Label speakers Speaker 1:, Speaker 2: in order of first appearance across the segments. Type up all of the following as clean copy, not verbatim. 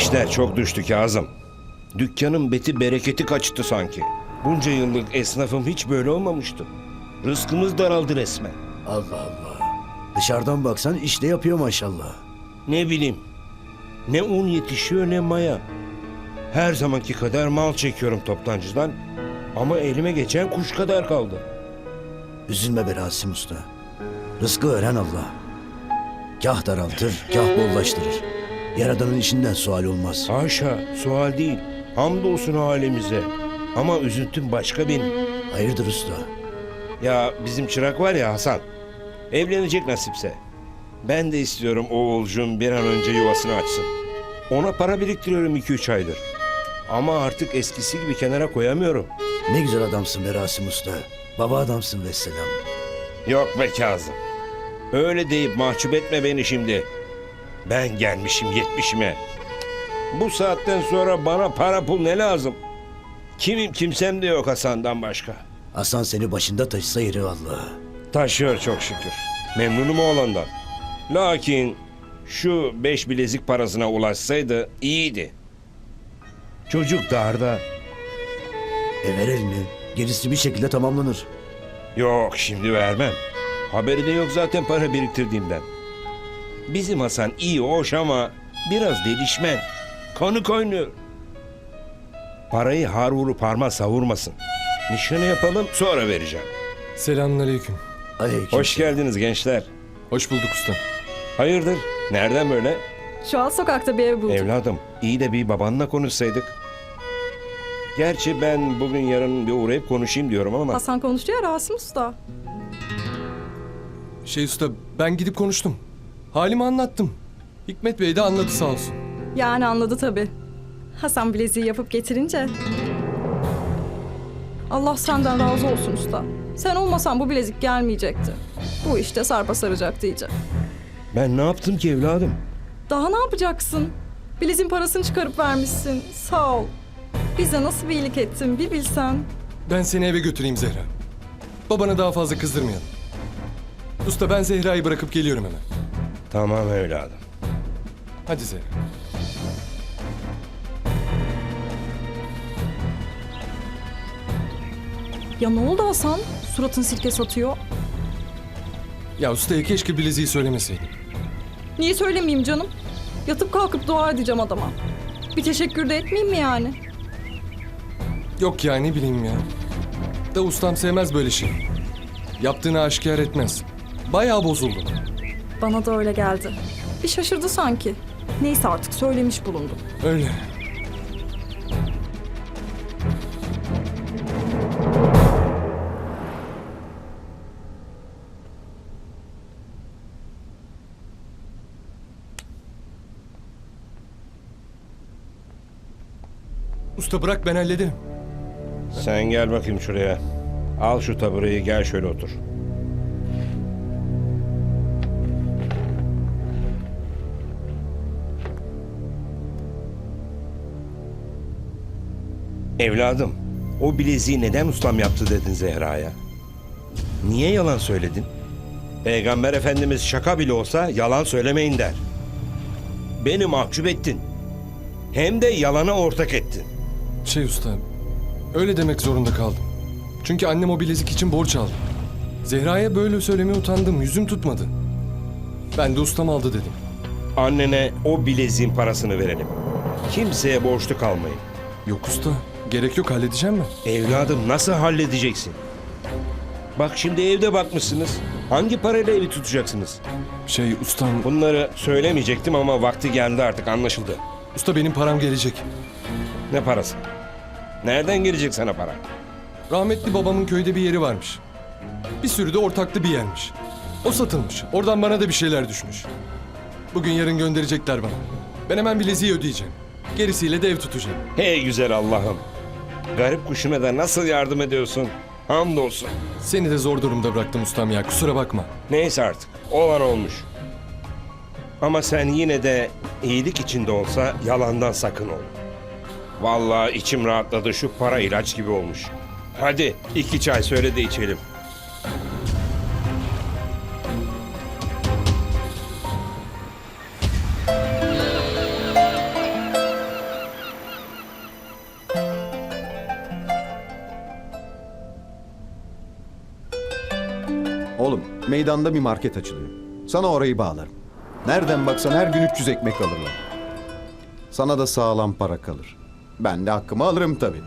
Speaker 1: İşler çok düştü Kazım. Dükkanın beti bereketi kaçtı sanki. Bunca yıllık esnafım hiç böyle olmamıştı. Rızkımız daraldı resmen.
Speaker 2: Allah Allah. Dışarıdan baksan işte yapıyor maşallah.
Speaker 1: Ne bileyim. Ne un yetişiyor ne maya. Her zamanki kadar mal çekiyorum toptancıdan. Ama elime geçen kuş kadar kaldı.
Speaker 2: Üzülme be Rasim Usta. Rızkı veren Allah. Kah daraltır, kah bollaştırır. Yaradanın işinden sual olmaz.
Speaker 1: Haşa, sual değil. Hamdolsun halimize. Ama üzüntüm başka benim.
Speaker 2: Hayırdır usta?
Speaker 1: Ya bizim çırak var ya Hasan. Evlenecek nasipse. Ben de istiyorum oğulcum bir an önce yuvasını açsın. Ona para biriktiriyorum 2-3 aydır. Ama artık eskisi gibi kenara koyamıyorum.
Speaker 2: Ne güzel adamsın be Rasim Usta. Baba adamsın vesselam.
Speaker 1: Yok be Kazım. Öyle deyip mahcup etme beni şimdi. Ben gelmişim 70'ime. Bu saatten sonra bana para pul ne lazım? Kimim kimsem de yok Hasan'dan başka.
Speaker 2: Hasan seni başında taşısa yeri vallahi.
Speaker 1: Taşıyor çok şükür. Memnunum oğlandan. Lakin şu 5 bilezik parasına ulaşsaydı iyiydi. Çocuk darda.
Speaker 2: Ver elini. Gerisi bir şekilde tamamlanır.
Speaker 1: Yok şimdi vermem. Haberi de yok zaten para biriktirdiğimden. Bizim Hasan iyi hoş ama biraz delişmen. Kanı kaynıyor. Parayı har vurup harma savurmasın. Nişanı yapalım sonra vereceğim.
Speaker 3: Selamünaleyküm.
Speaker 2: Aleyküm.
Speaker 1: Hoş geldiniz gençler.
Speaker 3: Hoş bulduk usta.
Speaker 1: Hayırdır? Nereden böyle?
Speaker 4: Şu an sokakta bir ev buldum.
Speaker 1: Evladım iyi de bir babanla konuşsaydık. Gerçi ben bugün yarın bir uğrayıp konuşayım diyorum ama.
Speaker 4: Hasan konuştu ya Rasim Usta.
Speaker 3: Usta, ben gidip konuştum. Halimi anlattım. Hikmet Bey de anladı sağ olsun.
Speaker 4: Yani anladı tabii. Hasan bileziği yapıp getirince. Allah senden razı olsun usta. Sen olmasan bu bilezik gelmeyecekti. Bu işte sarpa saracaktı iyice.
Speaker 1: Ben ne yaptım ki evladım?
Speaker 4: Daha ne yapacaksın? Bileziğin parasını çıkarıp vermişsin. Sağ ol. Bize nasıl bir iyilik ettin bir bilsen.
Speaker 3: Ben seni eve götüreyim Zehra. Babana daha fazla kızdırmayalım. Usta ben Zehra'yı bırakıp geliyorum hemen.
Speaker 1: Tamam evladım.
Speaker 3: Hadi Zehra.
Speaker 4: Ya ne oldu Hasan? Suratın sirke satıyor.
Speaker 3: Ya ustaya keşke bileziği söylemeseydin.
Speaker 4: Niye söylemeyeyim canım? Yatıp kalkıp dua edeceğim adama. Bir teşekkür de etmeyeyim mi yani?
Speaker 3: Yok ya ne bileyim ya. Da ustam sevmez böyle şey. Yaptığını aşikar etmez. Bayağı bozuldu.
Speaker 4: Bana da öyle geldi. Bir şaşırdı sanki. Neyse artık söylemiş bulundum.
Speaker 3: Öyle. Usta bırak ben hallederim.
Speaker 1: Sen gel bakayım şuraya. Al şu tabureyi gel şöyle otur. Evladım, o bileziği neden ustam yaptı dedin Zehra'ya? Niye yalan söyledin? Peygamber Efendimiz şaka bile olsa yalan söylemeyin der. Beni mahcup ettin. Hem de yalana ortak ettin.
Speaker 3: Usta, öyle demek zorunda kaldım. Çünkü annem o bilezik için borç aldı. Zehra'ya böyle söylemeye utandım, yüzüm tutmadı. Ben de ustam aldı dedim.
Speaker 1: Annene o bileziğin parasını verelim. Kimseye borçlu kalmayın.
Speaker 3: Yok usta, gerek yok halledeceğim ben.
Speaker 1: Evladım nasıl halledeceksin? Bak şimdi evde bakmışsınız. Hangi parayla evi tutacaksınız?
Speaker 3: Ustam,
Speaker 1: Bunları söylemeyecektim ama vakti geldi artık anlaşıldı.
Speaker 3: usta benim param gelecek.
Speaker 1: Ne parası? Nereden gelecek sana para?
Speaker 3: Rahmetli babamın köyde bir yeri varmış. Bir sürü de ortaklı bir yermiş. O satılmış. Oradan bana da bir şeyler düşmüş. Bugün yarın gönderecekler bana. Ben hemen bileziği ödeyeceğim. Gerisiyle de ev tutacağım.
Speaker 1: Hey güzel Allah'ım. Garip kuşuna da nasıl yardım ediyorsun? Hamdolsun.
Speaker 3: Seni de zor durumda bıraktım ustam ya, kusura bakma.
Speaker 1: Neyse artık. Olan olmuş. Ama sen yine de iyilik içinde olsa yalandan sakın ol. Vallahi içim rahatladı. Şu para ilaç gibi olmuş. Hadi 2 çay söyle de içelim.
Speaker 5: Oğlum meydanda bir market açılıyor. Sana orayı bağlarım. Nereden baksan her gün 300 ekmek alırlar. Sana da sağlam para kalır. Ben de hakkımı alırım tabii.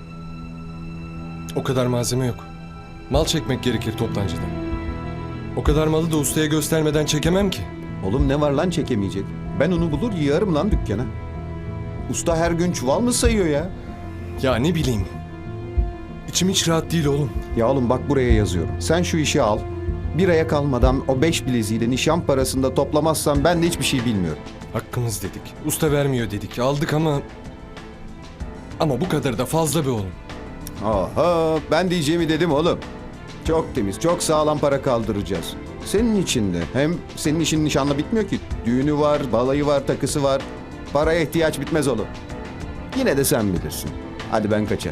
Speaker 3: O kadar malzeme yok. Mal çekmek gerekir toptancıda. O kadar malı da ustaya göstermeden çekemem ki.
Speaker 5: Oğlum ne var lan çekemeyecek? Ben onu bulur yığarım lan dükkana. Usta her gün çuval mı sayıyor ya?
Speaker 3: Ya ne bileyim. İçim hiç rahat değil oğlum.
Speaker 5: Ya oğlum bak buraya yazıyorum. Sen şu işi al. Bir aya kalmadan o 5 bileziğiyle nişan parasını da toplamazsan ben de hiçbir şey bilmiyorum.
Speaker 3: Hakkımız dedik. Usta vermiyor dedik. Aldık ama... Ama bu kadar da fazla be oğlum.
Speaker 5: Aha ben diyeceğimi dedim oğlum. Çok temiz, çok sağlam para kaldıracağız. Senin için de. Hem senin işin nişanla bitmiyor ki. Düğünü var, balayı var, takısı var. Paraya ihtiyaç bitmez oğlum. Yine de sen bilirsin. Hadi ben kaçar.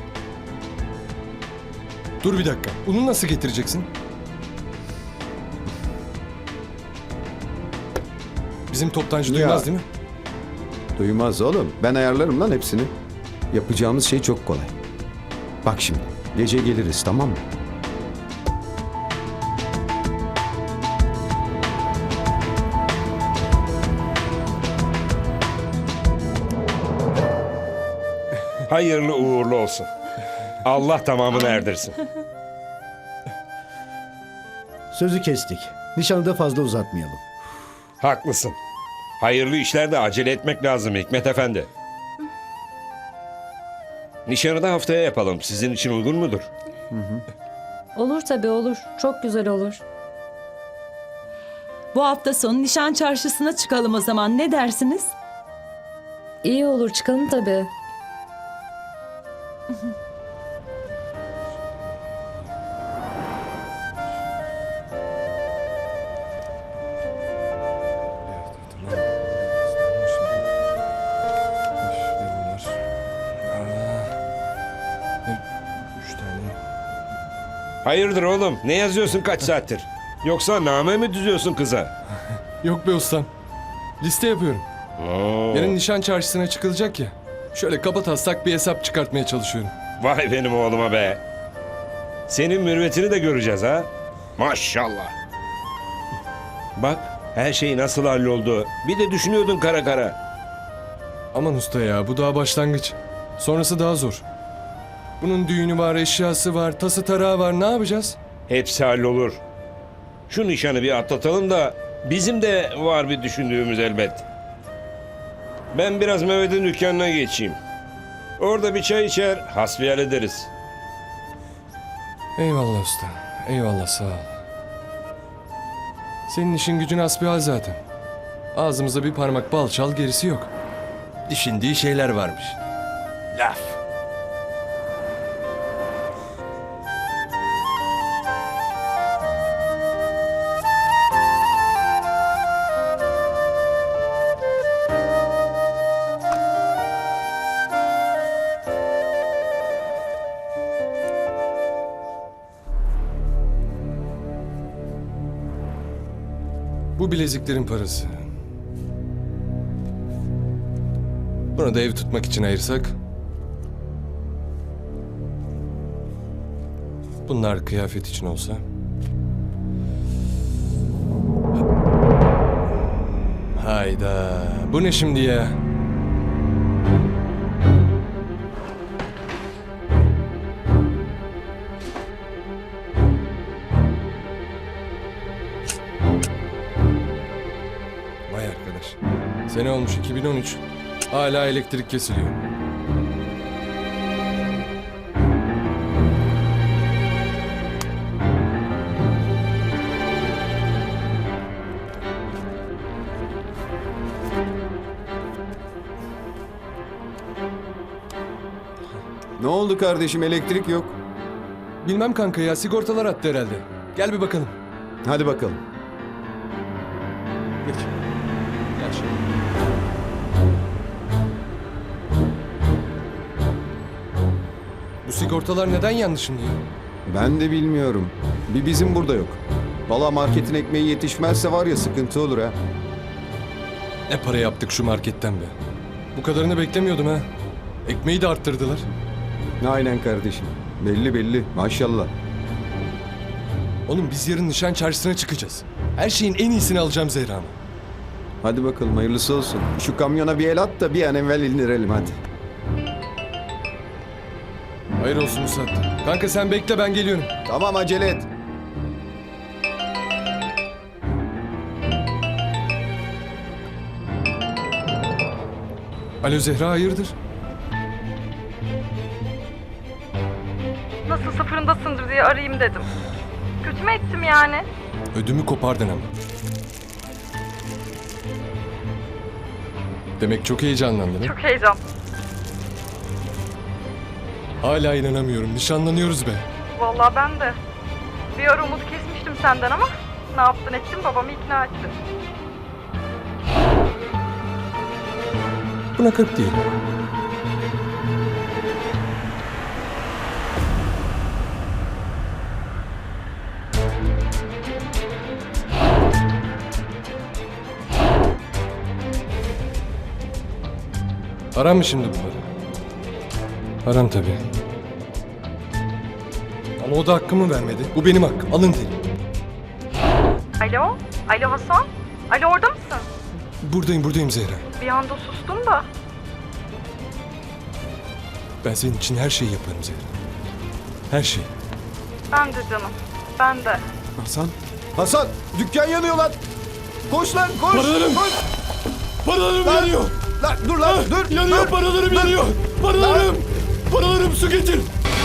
Speaker 3: Dur bir dakika. Unu nasıl getireceksin? Bizim toptancı
Speaker 5: Ya.
Speaker 3: duymaz değil mi?
Speaker 5: Duymaz oğlum. Ben ayarlarım lan hepsini. Yapacağımız şey çok kolay. Bak şimdi. Gece geliriz tamam mı?
Speaker 1: Hayırlı uğurlu olsun. Allah tamamını erdirsin.
Speaker 2: Sözü kestik. Nişanı da fazla uzatmayalım.
Speaker 1: Haklısın. Hayırlı işlerde acele etmek lazım Hikmet Efendi. Nişanı da haftaya yapalım. Sizin için uygun mudur?
Speaker 6: Olur tabii olur. Çok güzel olur.
Speaker 7: Bu hafta sonu nişan çarşısına çıkalım o zaman. Ne dersiniz?
Speaker 6: İyi olur çıkalım tabii.
Speaker 1: Hayırdır oğlum? Ne yazıyorsun kaç saattir? Yoksa name mi düzüyorsun kıza?
Speaker 3: Yok be ustam. Liste yapıyorum.
Speaker 1: Oo,
Speaker 3: Yarın nişan çarşısına çıkılacak ya. Şöyle kabataslak bir hesap çıkartmaya çalışıyorum.
Speaker 1: vay benim oğluma be. Senin mürüvvetini de göreceğiz ha. Maşallah. Bak her şey nasıl halloldu. Bir de düşünüyordun kara kara.
Speaker 3: Aman usta ya bu daha başlangıç. Sonrası daha zor. Bunun düğünü var, eşyası var, tası tarağı var. Ne yapacağız?
Speaker 1: Hepsi hallolur. Şu nişanı bir atlatalım da bizim de var bir düşündüğümüz elbet. Ben biraz Mehmet'in dükkanına geçeyim. Orada bir çay içer, hasbihal ederiz.
Speaker 3: Eyvallah usta. Eyvallah sağ ol. Senin işin gücün hasbihal zaten. Ağzımıza bir parmak bal çal gerisi yok. Düşündüğü şeyler varmış. Laf. Bu bileziklerin parası. Bunu da ev tutmak için ayırsak. Bunlar kıyafet için olsa. Hayda. Bu ne şimdi ya? Vay arkadaş. Sene olmuş 2013. Hala elektrik kesiliyor.
Speaker 5: Ne oldu kardeşim elektrik yok.
Speaker 3: Bilmem kanka ya sigortalar attı herhalde. Gel bir bakalım.
Speaker 5: Hadi bakalım.
Speaker 3: Geç. Gel şöyle. Bu sigortalar neden yanlış şimdi ya?
Speaker 5: Ben de bilmiyorum. Bir bizim burada yok. Valla marketin ekmeği yetişmezse var ya sıkıntı olur ha.
Speaker 3: Ne para yaptık şu marketten be. Bu kadarını beklemiyordum ha. Ekmeği de arttırdılar.
Speaker 5: Aynen kardeşim. Belli belli maşallah.
Speaker 3: Oğlum biz yarın nişan çarşısına çıkacağız. Her şeyin en iyisini alacağım Zehra'ma.
Speaker 5: Hadi bakalım hayırlısı olsun. Şu kamyona bir el at da bir an evvel indirelim hadi.
Speaker 3: Hayır olsun Musat. Kanka sen bekle ben geliyorum.
Speaker 5: Tamam acele et.
Speaker 3: Alo Zehra hayırdır?
Speaker 4: Nasılsa fırındasındır diye arayayım dedim. Kötü mü ettim yani?
Speaker 3: Ödümü kopardın ama. Demek çok heyecanlandın ha?
Speaker 4: Çok heyecan.
Speaker 3: Hala inanamıyorum. Nişanlanıyoruz be.
Speaker 4: Vallahi ben de. Bir ara umut kesmiştim senden ama ne yaptın ettin babamı ikna ettin.
Speaker 3: Buna 40 diyelim. Aram mı şimdi bunları? Aram tabii. Ama o da hakkımı vermedi. Bu benim hakkım. Alın derim.
Speaker 4: Alo? Alo Hasan? Alo orada mısın?
Speaker 3: Buradayım Zehra.
Speaker 4: Bir anda sustun da.
Speaker 3: Ben senin için her şeyi yaparım Zehra. Her şey.
Speaker 4: Ben de canım. Ben de.
Speaker 5: Hasan. Hasan dükkan yanıyor lan. Koş lan koş.
Speaker 3: Paralarım.
Speaker 5: Koş.
Speaker 3: Paralarım
Speaker 5: Lan.
Speaker 3: yanıyor.
Speaker 5: Lan dur lan dur.
Speaker 3: Yanıyor
Speaker 5: dur.
Speaker 3: paralarım
Speaker 5: Dur.
Speaker 3: yanıyor. Paralarım. Paralarım su getir.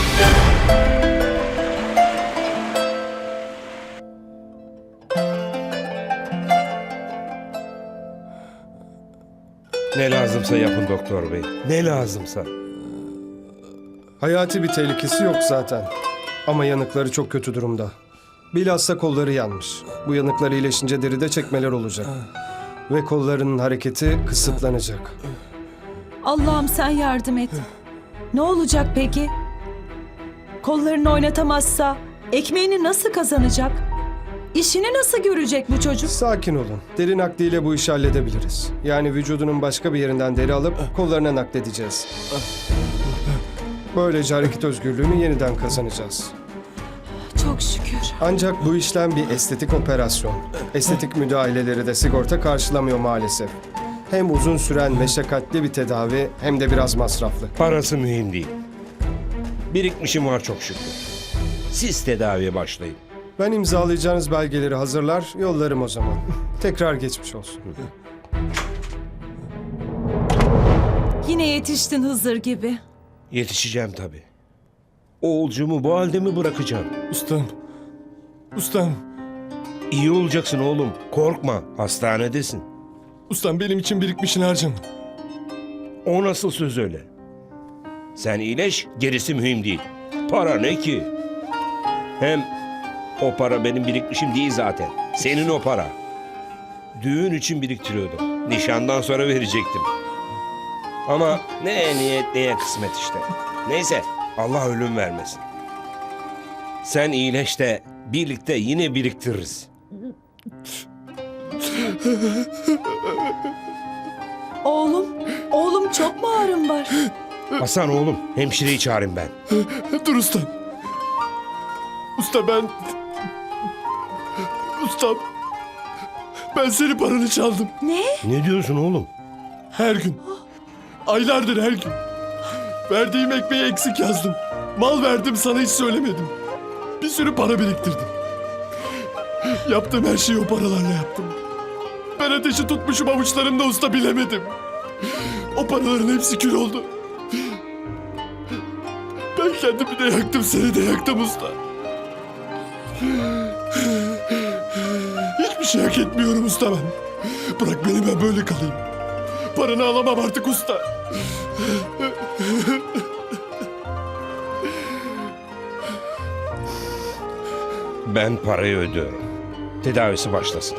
Speaker 1: Ne lazımsa yapın doktor bey. Ne lazımsa.
Speaker 8: Hayati bir tehlikesi yok zaten. Ama yanıkları çok kötü durumda. Bilhassa kolları yanmış. Bu yanıklar iyileşince deride çekmeler olacak. Ve kollarının hareketi kısıtlanacak.
Speaker 7: Allah'ım sen yardım et. Ne olacak peki? Kollarını oynatamazsa ekmeğini nasıl kazanacak? İşini nasıl görecek bu çocuk?
Speaker 8: Sakin olun. Deri nakliyle bu işi halledebiliriz. Yani vücudunun başka bir yerinden deri alıp kollarına nakledeceğiz. Böylece hareket özgürlüğünü yeniden kazanacağız.
Speaker 7: Çok şükür.
Speaker 8: Ancak bu işlem bir estetik operasyon. Estetik müdahaleleri de sigorta karşılamıyor maalesef. Hem uzun süren meşakkatli bir tedavi hem de biraz masraflı.
Speaker 1: Parası mühim değil. Birikmişim var çok şükür. Siz tedaviye başlayın.
Speaker 8: Ben imzalayacağınız belgeleri hazırlar, yollarım o zaman. Tekrar geçmiş olsun.
Speaker 7: Yine yetiştin Hızır gibi.
Speaker 1: Yetişeceğim tabii. Oğulcumu bu halde mi bırakacağım?
Speaker 3: Ustam.
Speaker 1: İyi olacaksın oğlum. Korkma. Hastanedesin.
Speaker 3: Ustam benim için birikmişini harcama.
Speaker 1: O nasıl söz öyle? Sen iyileş, gerisi mühim değil. Para ne ki? Hem o para benim birikmişim değil zaten. Senin o para. Düğün için biriktiriyordum. Nişandan sonra verecektim. Ama ne niyet neye kısmet işte. Neyse, Allah ölüm vermesin. Sen iyileş de birlikte yine biriktiririz.
Speaker 7: Oğlum çok mu ağrın var?
Speaker 1: Hasan oğlum, hemşireyi çağırayım ben.
Speaker 3: Dur ustam. Ustam. Ben senin paranı çaldım.
Speaker 1: Ne diyorsun oğlum?
Speaker 3: Her gün. Aylardır her gün. Verdiğim ekmeği eksik yazdım. Mal verdim sana hiç söylemedim. Bir sürü para biriktirdim. Yaptığım her şeyi o paralarla yaptım. Ben ateşi tutmuşum avuçlarımda usta bilemedim. O paraların hepsi kül oldu. Ben kendimi de yaktım seni de yaktım usta. Hiçbir şey hak etmiyorum usta ben. Bırak beni ben böyle kalayım. Paranı alamam artık usta.
Speaker 1: Ben parayı ödüyorum. Tedavisi başlasın.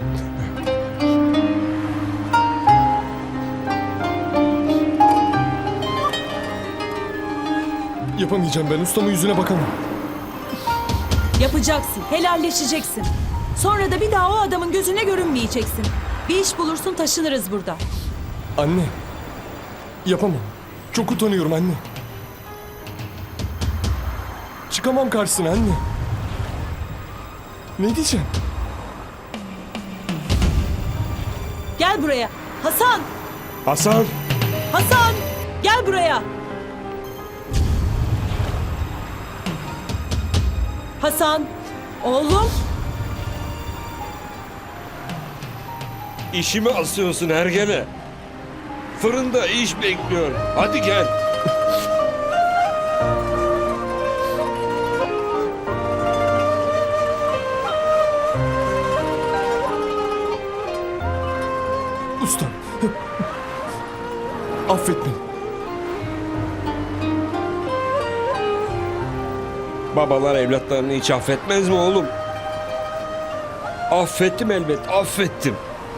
Speaker 3: Yapamayacağım ben. Ustamın yüzüne bakamam.
Speaker 7: Yapacaksın, helalleşeceksin. Sonra da bir daha o adamın gözüne görünmeyeceksin. Bir iş bulursun, taşınırız burada.
Speaker 3: Anne. Yapamam. Çok utanıyorum anne. Çıkamam karşısına anne. Ne diyeceğim?
Speaker 7: Gel buraya. Hasan!
Speaker 1: Hasan!
Speaker 7: Hasan! Gel buraya. Hasan! Oğlum!
Speaker 1: İşimi asıyorsun hergele. Fırında iş bekliyor. Hadi gel.
Speaker 3: Ustam. Affet beni.
Speaker 1: Babalar evlatlarını hiç affetmez mi oğlum? Affettim elbet, affettim.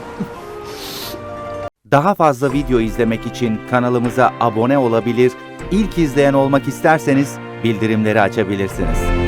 Speaker 9: Daha fazla video izlemek için kanalımıza abone olabilir, ilk izleyen olmak isterseniz bildirimleri açabilirsiniz.